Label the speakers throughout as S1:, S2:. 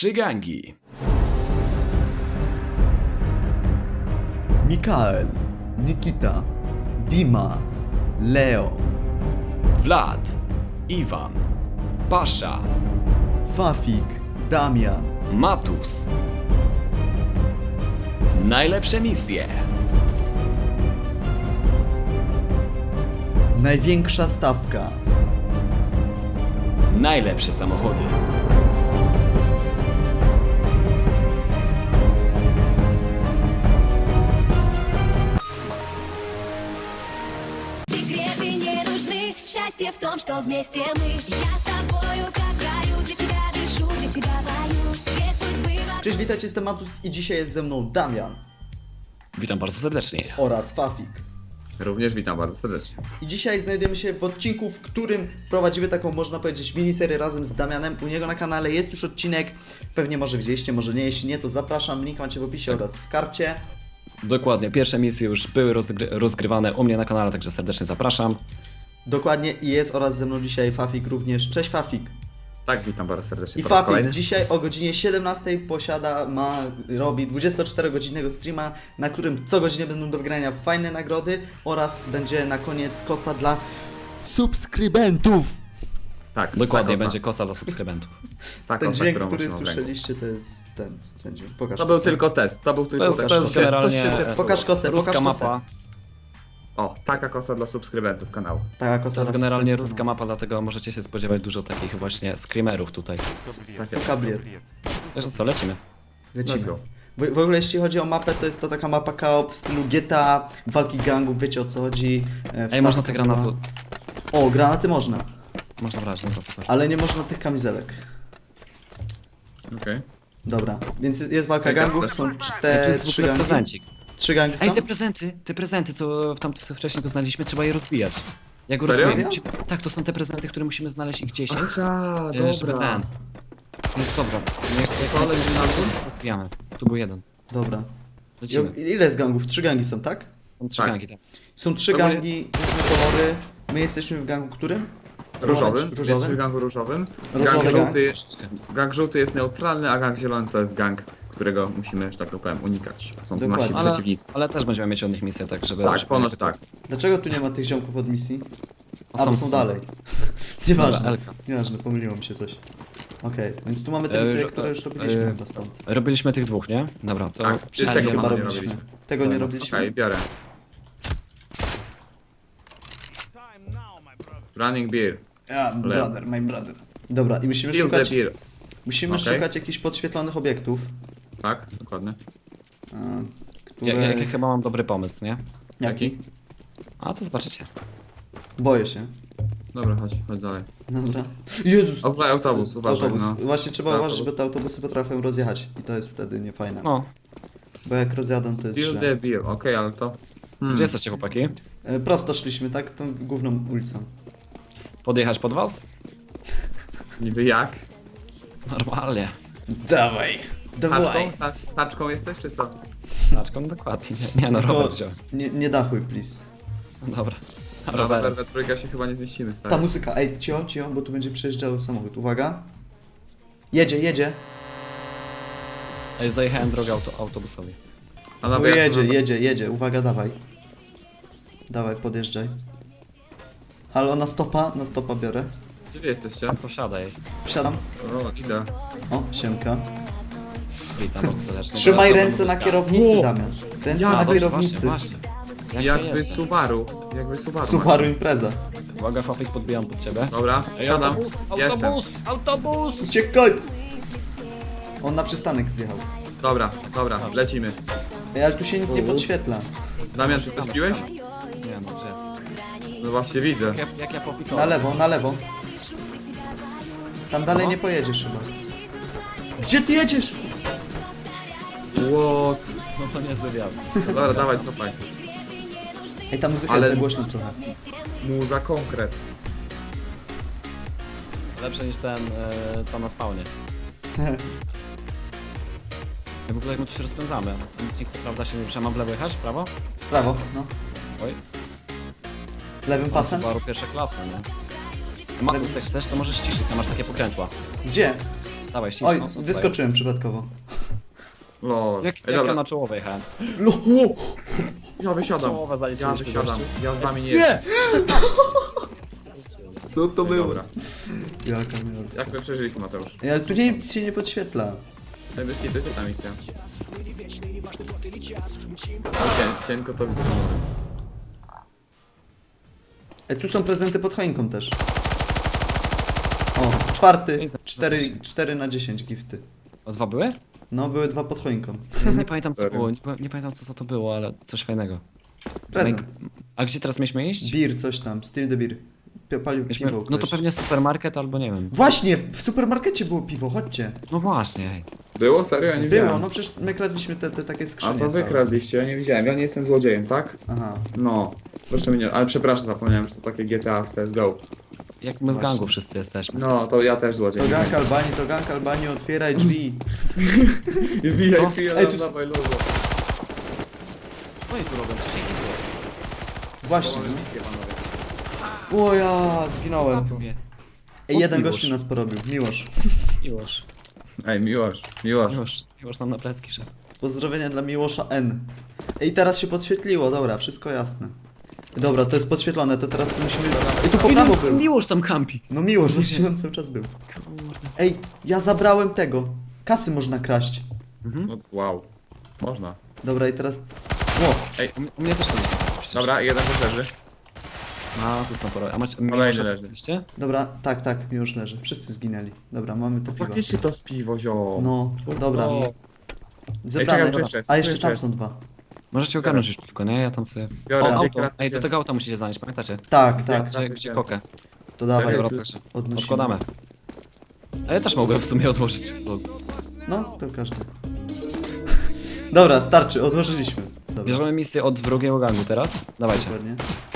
S1: Trzy gangi.
S2: Mikael, Nikita, Dima, Leo,
S1: Vlad, Iwan, Pasza,
S2: Fafik, Damian.
S1: Matus. Najlepsze misje.
S2: Największa stawka.
S1: Najlepsze samochody.
S3: Секреты не нужны, счастье в том, что вместе мы. Я с тобою, как в раю, для тебя дышу, для тебя пою. Две судьбы в
S2: Cześć, witajcie, jestem Matus i dzisiaj jest ze mną Damian
S1: Witam bardzo serdecznie.
S2: oraz Fafik.
S4: Również witam bardzo serdecznie.
S2: I dzisiaj znajdujemy się w odcinku, w którym prowadzimy taką, można powiedzieć, miniserię razem z Damianem. U niego na kanale jest już odcinek, pewnie może widzieliście, może nie, jeśli nie, to zapraszam, link macie w opisie oraz w karcie.
S5: Dokładnie, pierwsze misje już były rozgrywane u mnie na kanale, także serdecznie zapraszam.
S2: Dokładnie i jest oraz ze mną dzisiaj Fafik również. Cześć Fafik.
S4: Tak, witam bardzo serdecznie.
S2: I
S4: po raz
S2: Fafik
S4: kolejny.
S2: dzisiaj o godzinie 17 robi 24-godzinnego streama, na którym co godzinę będą do wygrania fajne nagrody oraz będzie na koniec kosa dla subskrybentów.
S4: Tak,
S5: Dokładnie,
S4: ta
S5: będzie kosa dla subskrybentów.
S4: Ta
S2: Ten
S4: kosa,
S2: dźwięk,
S4: którą
S2: który
S4: masz w ręku.
S2: słyszeliście, to jest ten dźwięk. Pokaż
S4: To był
S2: kosę.
S4: tylko test, to był tylko
S5: jest-
S4: test.
S5: to jest
S4: Coś się-
S5: generalnie-
S4: coś się zepsuło.
S2: Pokaż kosę,
S5: Ruska
S2: pokaż kosę.
S5: mapa,
S4: O, taka kosa dla subskrybentów kanału.
S2: Taka kosa
S5: to jest
S2: dla
S5: generalnie
S2: subskrybentów.
S5: ruska mapa, dlatego możecie się spodziewać dużo takich właśnie screamerów tutaj.
S2: Sukablier.
S5: Także co, lecimy.
S2: Lecimy.
S4: Let's go.
S2: W ogóle jeśli chodzi o mapę, to jest to taka mapa KO w stylu GTA, walki gangów, wiecie o co chodzi.
S5: Ej, można te granaty...
S2: O, granaty można,
S5: Można brać, no to super.
S2: ale nie można tych kamizelek.
S4: Okej.
S2: Dobra, więc jest walka
S4: Czekaj,
S2: gangów,
S4: to-
S2: są
S5: Ej, tu jest w
S2: trzy
S5: ogóle
S2: gangi.
S5: prezencik.
S2: Trzy gangi są?
S5: Ej, te prezenty, co tam wcześniej go znaleźliśmy, trzeba je rozbijać. Jak go
S4: Serio?
S5: rozbijemy, tak, to są te prezenty, które musimy znaleźć ich 10.
S4: Aha,
S5: Żeby ten... No dobra,
S4: Co, lecimy na dół?
S5: rozbijamy. Tu był jeden.
S2: Dobra.
S5: Lecimy.
S2: Ile jest gangów? Trzy gangi są, tak?
S5: Są trzy
S4: Tak.
S5: gangi, tak.
S2: Są trzy
S4: Ogólnie-
S2: gangi, różne kolory. My jesteśmy w gangu którym?
S4: Różowym,
S2: Różowym?
S4: jest w gangu różowym.
S2: Różowy
S4: Gang
S2: gang.
S4: żółty, gang żółty jest neutralny, a gang zielony to jest gang, którego musimy, że tak to powiem, unikać. Są to
S2: Dokładnie.
S4: nasi
S5: Ale,
S4: przeciwnicy.
S5: ale też będziemy mieć od nich misję, tak żeby...
S4: Tak,
S5: żeby
S4: ponoć
S5: jakby to-
S4: tak.
S2: Dlaczego tu nie ma tych ziomków od misji?
S5: O,
S2: A, bo są dalej.
S5: Dobra,
S2: Nieważne,
S5: Elka.
S2: nieważne, pomyliło mi się coś. Okej, więc tu mamy te misje, które już robiliśmy chyba stąd.
S5: Robiliśmy tych dwóch, nie? Dobra, to...
S4: Tak,
S2: Czy
S4: tego
S2: tego
S4: chyba
S2: chyba
S4: nie
S2: robiliśmy?
S4: robiliśmy.
S2: Tego nie
S5: Dobra,
S2: robiliśmy?
S4: Okej, biorę. Running beer.
S2: Ja, brother, my brother. Dobra, i musimy
S4: Fill the
S2: szukać,
S4: beer.
S2: musimy
S4: Okej.
S2: szukać jakichś podświetlonych obiektów,
S4: Tak, dokładnie.
S2: które...
S5: Ja chyba mam dobry pomysł, nie?
S2: Jaki?
S5: A to zobaczycie.
S2: Boję się.
S4: Dobra, chodź dalej.
S2: Dobra. Jezus!
S4: Autobus, uważaj,
S2: Autobus.
S4: no.
S2: Właśnie trzeba
S4: Autobus.
S2: uważać, bo te autobusy potrafią rozjechać i to jest wtedy niefajne.
S5: No,
S2: Bo jak rozjadą, to jest
S4: Still
S2: źle.
S4: the beer, okej, ale to...
S5: gdzie jesteście chłopaki?
S2: Prosto szliśmy, tak? Tą główną ulicą.
S5: Podjechać pod was?
S4: Niby jak?
S5: Normalnie.
S2: Dawaj! Dawaj!
S4: Taczką jesteś, czy co?
S5: Taczką dokładnie. Nie no,
S2: Tylko
S5: Robert wziął.
S2: nie dachuj, please.
S5: No dobra.
S4: Na
S5: Robert.
S4: we trójkę się chyba nie zmieścimy,
S2: Ta
S4: stary.
S2: muzyka, ej, cio, bo tu będzie przejeżdżał samochód. Uwaga. Jedzie.
S5: Ej, zajechałem drogę autobusowi.
S4: A
S2: O,
S4: nawet jak to
S2: jedzie. Uwaga, dawaj. Dawaj, podjeżdżaj. Halo, na stopa biorę.
S4: Gdzie wy jesteście?
S5: A to siadaj.
S2: Wsiadam.
S4: O, idę.
S2: O, siemka.
S5: Witam bardzo serdecznie.
S2: Trzymaj
S5: Dobra,
S2: ręce na
S5: dobra.
S2: kierownicy,
S4: Wow.
S2: Damian. Ręce
S4: Ja,
S2: na
S5: Właśnie,
S2: kierownicy.
S5: Właśnie. Jak
S4: Jakby
S5: to jest?
S4: Subaru.
S2: Subaru impreza.
S5: Uwaga, Fafik, podbijam pod ciebie.
S4: Dobra, siadam. Jestem.
S5: Autobus!
S2: Uciekaj! On na przystanek zjechał.
S4: Dobra, lecimy.
S2: Ej, ale tu się nic nie podświetla.
S4: Damian, czy coś piłeś?
S5: Nie no, gdzie?
S4: No właśnie widzę.
S5: Jak ja popikałem.
S2: Na lewo. Tam dalej
S5: Aha.
S2: nie pojedziesz chyba. Gdzie ty jedziesz?
S4: What?
S5: No to niezły wiatr.
S4: Dobra, dawaj, cofaj.
S2: Ej, ta muzyka
S4: Ale-
S2: jest za głośna trochę.
S4: Muza konkret.
S5: Lepsze niż ten, tam na spawnie. Ja w ogóle jak my tu się rozpędzamy. Nic nie chce, prawda, się nie rusza. Mam w lewo jechać? W prawo?
S2: W prawo, no.
S5: Oj.
S2: Lewym pasem?
S5: Subaru pierwsza klasa, nie? Matus, jak chcesz, to możesz ciszyć, tam masz takie pokrętła.
S2: Gdzie?
S5: Dawaj, ściśnij.
S2: Oj,
S5: no, to
S2: wyskoczyłem przypadkowo.
S4: Lol.
S5: Jak
S4: Ej,
S5: ja
S4: dobra,
S5: na czołowe jechałem.
S4: ja wysiadam.
S5: Czołowe
S4: Ja
S5: zaliczyliśmy.
S4: wysiadam.
S5: gościu.
S4: Ja z wami nie
S5: Nie!
S4: jestem.
S2: Co to było?
S4: Dobra.
S2: Jaka miasta.
S4: Jak my przeżyliśmy, Mateusz?
S2: Ej, ale tu nic się nie podświetla.
S4: Ten wyski to jest ta misja. Cienko to widzę.
S2: Ej, tu są prezenty pod choinką też. O, czwarty. 4 na 10 gifty.
S5: O, 2 były?
S2: No, były 2 pod choinką.
S5: Nie pamiętam co
S4: Serio?
S5: było, nie pamiętam co to było, ale coś fajnego.
S2: Prezent.
S5: A gdzie teraz mieliśmy iść?
S2: Beer, coś tam. Still the beer. Palił
S5: Mieliśmy,
S2: piwo.
S5: no to
S2: ktoś.
S5: pewnie supermarket albo nie wiem.
S2: Właśnie, w supermarkecie było piwo, chodźcie.
S5: No właśnie, ej.
S4: Było? Serio? Ja nie
S2: Było,
S4: widziałem.
S2: no przecież my kradliśmy te takie
S4: A
S2: skrzynie.
S4: to wy
S2: całe.
S4: kradliście, ja nie widziałem. Ja nie jestem złodziejem, tak?
S2: Aha.
S4: No. Proszę mnie nie... Ale przepraszam, zapomniałem, że to takie GTA CSGO.
S5: Jak my z
S2: Właśnie.
S5: gangu wszyscy jesteśmy.
S4: No, to ja też złodziej.
S2: To gang Albanii, otwieraj drzwi.
S4: Wbijaj,
S2: Co?
S4: wbijaj,
S2: Ej, tu-
S4: dawaj, luzo.
S5: Co oni tu robią? Przecież ich nie było.
S2: Właśnie.
S4: Mamy misję, panowie.
S2: O ja, zginąłem.
S5: Zabił mnie.
S2: Ej, jeden
S5: Miłosz.
S2: gościu nas porobił. Miłosz.
S5: Miłosz.
S4: Ej, Miłosz.
S5: Miłosz nam na plecki szedł.
S2: Pozdrowienia dla Miłosza N. Ej, teraz się podświetliło, dobra, wszystko jasne. Dobra, to jest podświetlone, to teraz musimy... Ej, tu po prawo był.
S5: Miłosz tam kampi.
S2: No Miłosz, właśnie on cały czas był.
S5: Kurde.
S2: Ej, ja zabrałem tego. Kasy można kraść.
S4: No, wow. Można.
S2: Dobra, i teraz... Ło,
S5: U mnie też to jest.
S4: Dobra, jeden też leży.
S5: A, to jest na porę. A macie...
S4: Kolejny
S5: Miłosza
S4: leży.
S5: znaleźliście?
S2: dobra, tak, Miłosz leży. Wszyscy zginęli. Dobra, mamy to
S4: To
S2: piwo.
S4: faktycznie to z piwo, zio.
S2: No, dobra.
S5: O,
S2: Zebrane.
S4: czekaj, tu jeszcze jest,
S2: A
S4: tu
S2: jeszcze
S4: jeszcze
S2: tam
S4: jest.
S2: są 2.
S5: Możecie ogarnąć już piwko, nie? Ja tam sobie...
S4: Biorę
S5: O,
S4: dwie
S5: auto.
S4: kratki.
S5: Ej, do tego auta musicie zanieść, pamiętacie?
S2: Tak,
S5: Gdzie kokę?
S2: to dawaj,
S5: Dobra, także
S2: odnosimy.
S5: odkładamy. A ja też mogłem w sumie odłożyć. Bo
S2: No, to każdy. Dobra, starczy, odłożyliśmy. Dobra,
S5: bierzemy misję od drugiego gangu teraz. Dawajcie.
S2: dokładnie.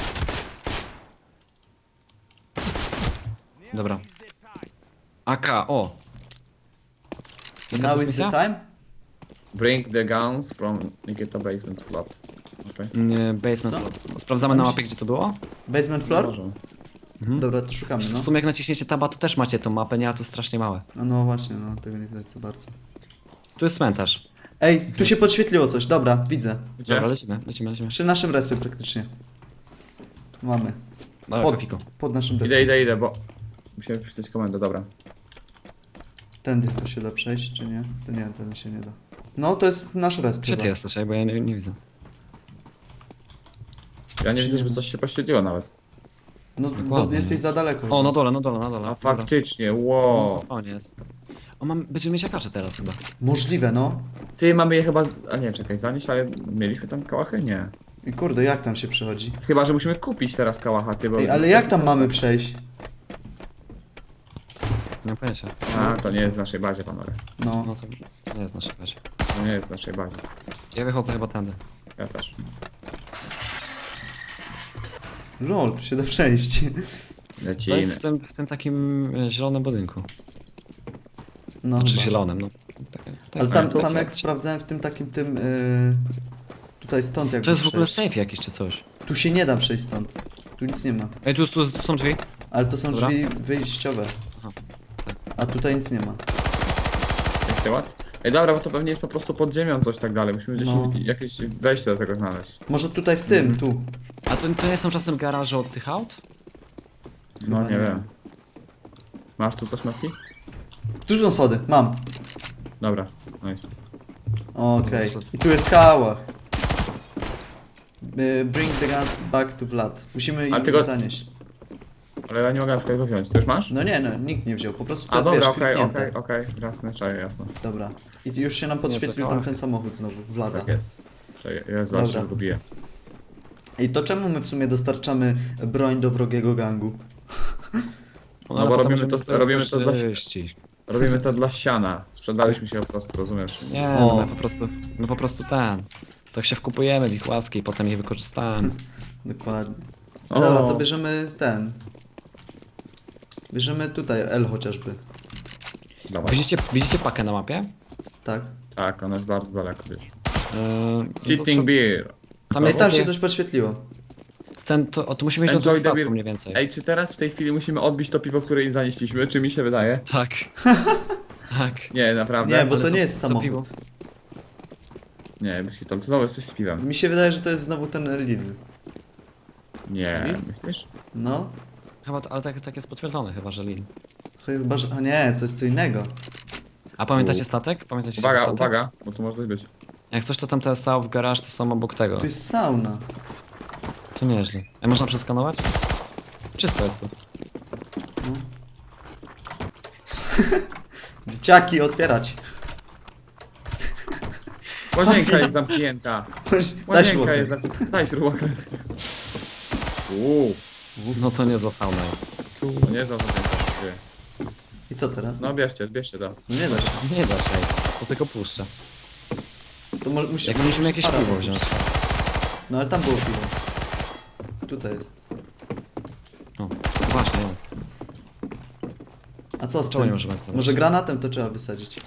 S5: Dobra. AK, o! Jaka to
S2: Now
S5: jest
S2: is the
S5: misja?
S2: time?
S4: Bring the guns from Nikita Basement Flat. Okay.
S5: Nie, basement.
S2: Co?
S5: floor. Sprawdzamy na mapie, gdzie to było?
S2: Basement floor?
S4: Może.
S5: Mhm.
S2: Dobra, to szukamy,
S5: W
S2: no.
S5: sumie jak naciśniecie taba, to też macie tą mapę, nie? A to strasznie małe.
S2: A no właśnie, no, tego nie widać za bardzo.
S5: Tu jest cmentarz.
S2: Ej, tu się podświetliło coś, dobra, widzę.
S4: Gdzie?
S5: Dobra, lecimy.
S2: Przy naszym respie praktycznie. Tu mamy.
S5: Dobra,
S2: Pod,
S5: kopiku.
S2: pod naszym respie.
S4: Idę, bo... Musimy wpisać komendę, dobra.
S2: Tędy to się da przejść, czy nie? To nie, ten się nie da. No, to jest nasz resp.
S5: Gdzie
S2: chyba.
S5: ty jesteś? Bo ja nie widzę.
S4: Ja nie widzę, żeby coś się poświetliło nawet.
S2: No, bo
S5: Dokładnie.
S2: jesteś za daleko.
S5: O, na dole.
S4: A
S5: Dobra.
S4: faktycznie,
S5: O,
S4: wow.
S5: na spawnie jest. O, będziemy mieć akacze teraz chyba.
S2: Możliwe, no.
S4: Ty, mamy je chyba... A nie, czekaj, zanieść, ale mieliśmy tam kałachy? Nie.
S2: I kurde, jak tam się przechodzi?
S4: Chyba, że musimy kupić teraz kałacha, ty, bo...
S2: Ej, ale jak tam mamy przejść?
S5: Nie mam pojęcia.
S4: A, to nie jest w naszej bazie, panowie.
S2: No.
S5: No to nie jest nasze razie.
S4: To nie jest w naszej bazie.
S5: Ja wychodzę chyba tędy.
S4: Ja też.
S2: Lol, tu się da przejść.
S5: To
S4: Lecimy.
S5: jest w tym takim zielonym budynku.
S2: No,
S5: Znaczy
S2: chyba.
S5: zielonym, no.
S2: Ale
S5: tak.
S2: tam jak sprawdzałem w tym takim tym... tutaj stąd jak
S5: To jest w ogóle
S2: przejść.
S5: safe jakiś czy coś.
S2: Tu się nie da przejść stąd. Tu nic nie ma.
S5: Ej, tu są drzwi.
S2: Ale to są
S5: Dobra.
S2: drzwi wyjściowe.
S5: Aha, tak.
S2: A tutaj nic nie ma.
S4: Jak się ład? Ej, dobra, bo to pewnie jest po prostu pod ziemią coś tak dalej. Musimy gdzieś
S2: No.
S4: jakieś wejście do tego znaleźć.
S2: Może tutaj w tym, tu.
S5: A to nie są czasem garaże od tych aut?
S4: No,
S2: Chyba
S4: nie
S2: nie.
S4: wiem. Masz tu coś, Mati?
S2: Tu są schody, mam.
S4: Dobra, nice.
S2: Okej. I tu jest kałach. Bring the guns back to Vlad. Musimy
S4: Ale
S2: ich
S4: tego-
S2: zanieść.
S4: Ale ja nie mogę na przykład go wziąć. Ty już masz?
S2: No nie, no, nikt nie wziął. Po prostu to
S4: A
S2: jest,
S4: dobra,
S2: wiesz,
S4: okej,
S2: kliknięte.
S4: okej. Jasne, czaję, jasne.
S2: Dobra. I już się nam podświetlił
S5: kałach.
S2: tam ten samochód znowu, Vlada.
S4: Tak jest. Czekaj, Jezu, aż
S2: Dobra.
S4: się zgubiłem.
S2: I to czemu my w sumie dostarczamy broń do wrogiego gangu?
S4: No
S5: ale
S4: bo
S5: potem
S4: robimy
S5: możemy
S4: to- robimy to dla-
S5: czyścić.
S4: Robimy to dla siana. Sprzedaliśmy się po prostu, rozumiesz?
S5: Nie,
S2: O.
S5: no my po prostu tak się wkupujemy w ich łaski i potem je wykorzystamy.
S2: Dokładnie.
S4: O.
S2: Dobra, to bierzemy ten. Bierzemy tutaj L chociażby.
S4: Dawaj.
S5: Widzicie pakę na mapie?
S2: Tak.
S4: Tak, ona jest bardzo daleko gdzieś.
S5: No to
S4: Sitting beer.
S5: Tam
S2: Ej,
S5: jest
S2: tam się
S5: takie,
S2: coś podświetliło.
S5: to musimy iść do
S4: Enjoy
S5: tego
S4: the
S5: statku
S4: beer.
S5: mniej więcej.
S4: Ej, czy teraz w tej chwili musimy odbić to piwo, które im zanieśliśmy? Czy mi się wydaje?
S5: Tak. Tak.
S4: Nie, naprawdę.
S2: Nie, bo
S5: ale
S2: to
S5: to-
S2: nie jest
S5: to piwo.
S2: samochód.
S4: Nie, myślisz, to znowu jest coś z piwem.
S2: Mi się wydaje, że to jest znowu ten Lidl.
S4: Nie, myślisz?
S2: No,
S5: Chyba, ale tak jest potwierdzone chyba, że Lil.
S2: chyba, że... A nie, to jest co innego.
S5: A pamiętacie statek? Pamiętacie
S4: Uwaga,
S5: statek?
S4: uwaga, bo tu może coś być.
S5: Jak coś to tam te South Garage to są obok tego.
S2: Tu jest sauna.
S5: To nieźle. A można przeskanować? Czysto jest tu.
S2: Dzieciaki, otwierać.
S4: Łazienka jest zamknięta.
S2: Daj
S4: Łazienka
S2: śrubę.
S4: jest zamknięta. Daj śrubę. Uuu,
S5: No to nie za sauna.
S4: to nie jest łazienka.
S2: I co teraz?
S4: No bierzcie to.
S2: No nie da się.
S5: Nie da się. To tylko puszcza.
S2: To może musi...
S5: Jak musimy jakieś
S2: para
S5: piwo
S2: robić.
S5: wziąć.
S2: No ale tam było piwo. Tutaj jest.
S5: O, właśnie jest.
S2: A co z
S5: Czemu nie
S2: tym?
S5: możemy tak zrobić?
S2: Może granatem to trzeba wysadzić.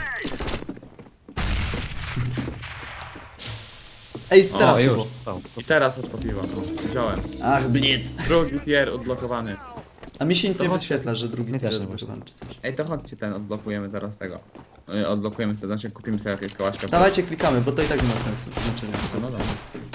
S2: Ej, teraz
S5: o,
S2: piwo.
S5: już. To.
S4: I teraz chodź po piwo. No, wziąłem.
S2: Ach, blid.
S4: Drugi tier odblokowany.
S2: A mi się nic
S4: To
S2: nie
S4: chodź.
S2: wyświetla, że drugi
S5: Mi też
S2: tier
S5: nie
S2: odblokowany czy coś.
S4: Ej, to chodźcie ten, odblokujemy teraz tego. Odblokujemy sobie, znaczy kupimy sobie jakieś kołaśka.
S2: Dawajcie, klikamy, bo to i tak nie ma sensu. Znaczenia.
S4: No dobra.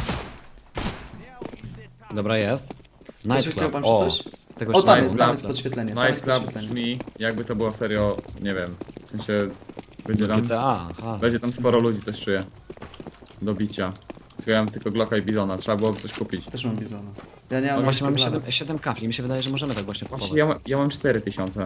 S5: Dobra, jest.
S2: Podświetliło
S5: Nightclub.
S2: wam się
S5: O,
S2: coś?
S5: tego
S2: O,
S5: jeszcze
S2: tam
S5: nie
S2: jest,
S5: było.
S2: tam jest podświetlenie. Tam jest
S4: Nightclub
S2: podświetlenie.
S4: brzmi jakby to było serio, nie wiem, w sensie będzie tam,
S5: GTA, aha.
S4: będzie tam sporo ludzi, coś czuję. Do bicia. Tylko ja mam tylko Glocka i Bizona, trzeba było coś kupić.
S2: Też mam bizona. Ja nie mam
S5: No właśnie mamy
S2: nawet
S5: 7 kafli, mi się wydaje, że możemy tak właśnie kupować.
S4: Właśnie ja mam 4000.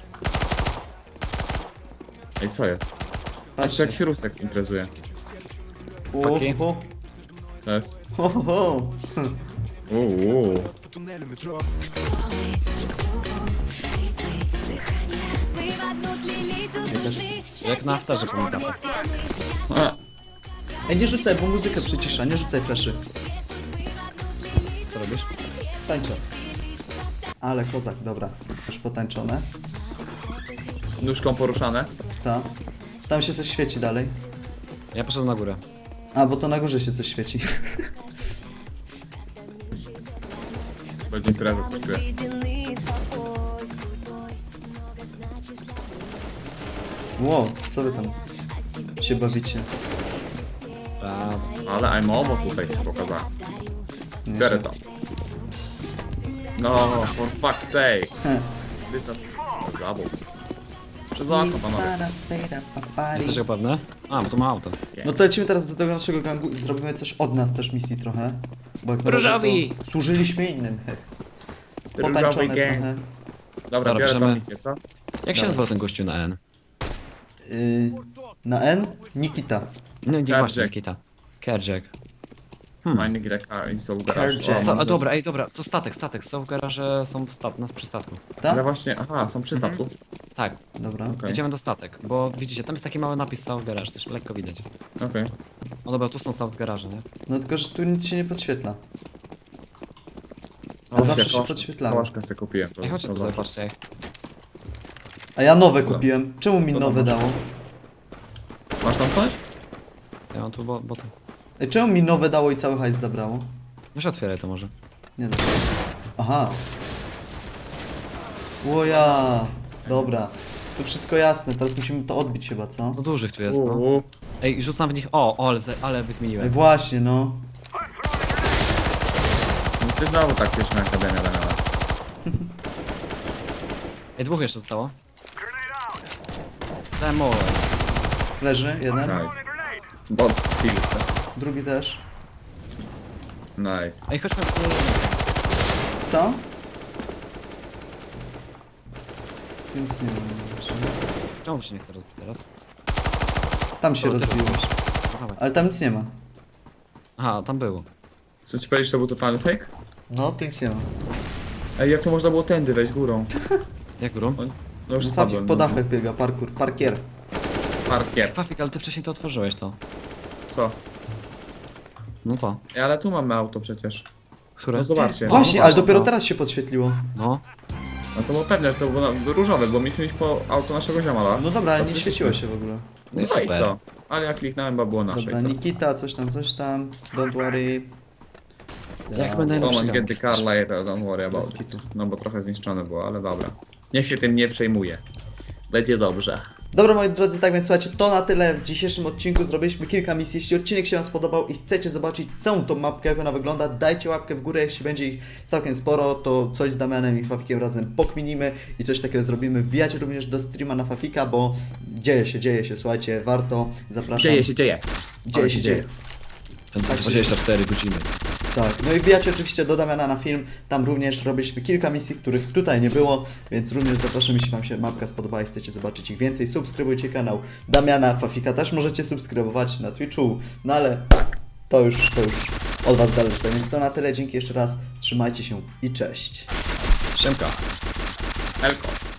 S4: Ej, co jest? A to
S2: Patrzcie.
S4: jakiś rusek imprezuje.
S5: Paki.
S2: O,
S4: Cześć.
S2: ho, ho, ho.
S4: Uuu.
S3: Вы в одну слились, услышали
S5: Jak na afterze
S3: что
S5: pamiętam.
S3: вместе мы.
S4: A,
S2: Ej, nie rzucaj, bo muzykę przycisza, nie rzucaj fleszy.
S5: Co robisz?
S2: Tańczę. Ale kozak, dobra. Już potańczone.
S4: nóżką poruszane.
S2: Ta. Tam się coś świeci dalej.
S5: Ja poszedłem na górę.
S2: A, bo to na górze się coś świeci.
S4: Będzie impreza, coś czuję.
S3: Обойдены собой, судьбой, много значишь для
S2: Wow, co wy tam się bawicie?
S5: Brawo.
S4: Ale I'm omo tutaj pokazałem.
S2: Nie
S4: Biorę
S2: się-
S4: to. No, for fuck's sake.
S2: Heh.
S4: This is double. Przez okno, panowie.
S5: Jesteś pewny? A, bo tu ma auto.
S2: No to lecimy teraz do tego naszego gangu i zrobimy też od nas też misji trochę. Bo jak na razie
S5: Różowi!
S2: to służyliśmy innym, hech.
S4: Różowy
S2: Potańczone
S4: gang.
S2: trochę.
S4: Dobra, biorę tą
S5: bierzemy.
S4: misję, co?
S5: Jak się nazywał ten gościu na N?
S2: Na N? Nikita.
S5: No nie
S4: Kerjack.
S5: właśnie, Nikita. Kerjack.
S4: Mine gra i są w garażu.
S2: Kerjack.
S4: O, mam
S5: Dobra, ej, dobra, to statek. Są w garaże, są przy statku.
S4: Ale
S2: Tak?
S4: właśnie, aha, są przy statku.
S5: Tak,
S2: Dobra.
S4: Okej.
S5: jedziemy do statek, bo widzicie, tam jest taki mały napis South Garage, też lekko widać.
S4: Okej.
S5: O dobra, tu są South Garage, nie?
S2: No tylko, że tu nic się nie podświetla. A
S4: O,
S2: zawsze
S4: ja
S2: się
S4: kołasz-
S2: podświetlało.
S4: Kołaszkę sobie kupiłem. To,
S5: Ej, chodźcie
S4: to
S5: tutaj,
S4: dobrze.
S5: patrzcie, ej.
S2: A ja nowe kupiłem. Czemu mi
S4: To
S2: nowe
S4: dobra.
S2: dało?
S4: Masz tam coś?
S5: Ja mam tu boty.
S2: Ej, czemu mi nowe dało i cały hajs zabrało?
S5: Weź otwieraj to może.
S2: Nie da się. Aha. Łoja. Dobra. Tu wszystko jasne, teraz musimy to odbić chyba, co?
S5: Za dużych tu jest, no.
S4: Uuu.
S5: Ej, rzucam w nich, ale
S2: Ej,
S5: wykminiłem.
S2: właśnie, no.
S4: No ty znowu tak pierwsza akademia miała.
S5: Ej, dwóch jeszcze zostało. Demo.
S2: Leży, jeden.
S4: Nice. Bot kill.
S2: Drugi też.
S4: Nice.
S5: Ej, chodźmy.
S2: Co? Nic nie wiem.
S5: Czemu to się nie chce rozbić teraz?
S2: Tam się
S5: O, ty
S2: rozbiło.
S5: robisz. No, dawaj.
S2: Ale tam nic nie ma.
S5: Aha, tam było.
S4: Co ci powiedzieć, to był totalny fake?
S2: No, tu nic nie ma.
S4: Ej, jak to można było tędy wejść górą?
S5: Jak górą?
S4: No już
S2: No, Fafik
S4: spadłem.
S2: po dachach biega, parkier.
S4: Parkier.
S5: Fafik, ale ty wcześniej to otworzyłeś to.
S4: Co?
S5: No to.
S4: Ej, ale tu mamy auto przecież.
S5: Które?
S4: No zobaczcie.
S2: Właśnie,
S5: no
S2: ale
S5: właśnie,
S2: dopiero
S5: no.
S2: teraz się podświetliło.
S5: No.
S4: No to było pewne, że to było różowe, bo mieliśmy iść po auto naszego ziomala.
S2: No dobra, ale
S4: To
S2: nie
S4: przecież-
S2: świeciło się w ogóle.
S5: No i
S4: No i
S5: super.
S4: co? Ale ja kliknąłem, bo było nasze.
S2: Dobra,
S4: i co?
S2: Nikita, coś tam. Don't worry.
S5: Jak będę
S4: Come on,
S5: Najlepszy
S4: get the car
S5: gang
S4: later, don't worry about
S2: Bez
S4: it.
S2: kitu.
S4: No bo trochę zniszczone było, ale dobra. Niech się tym nie przejmuje. Będzie dobrze.
S2: Dobra moi drodzy, tak więc słuchajcie, to na tyle w dzisiejszym odcinku. Zrobiliśmy kilka misji. Jeśli odcinek się Wam spodobał i chcecie zobaczyć całą tą mapkę, jak ona wygląda, dajcie łapkę w górę. Jeśli będzie ich całkiem sporo, to coś z Damianem i Fafikiem razem pokminimy i coś takiego zrobimy. Wbijajcie również do streama na Fafika, bo dzieje się, słuchajcie, warto, zapraszam.
S4: Dzieje się.
S2: Dzieje.
S5: 24 godziny.
S2: Tak, no i wbijacie oczywiście do Damiana na film, tam również robiliśmy kilka misji, których tutaj nie było, więc również zapraszam, jeśli Wam się mapka spodobała i chcecie zobaczyć ich więcej, subskrybujcie kanał Damiana, Fafika też możecie subskrybować na Twitchu, no ale to już od Was zależy, tak więc to na tyle, dzięki jeszcze raz, trzymajcie się i cześć.
S5: Siemka.
S4: Elko.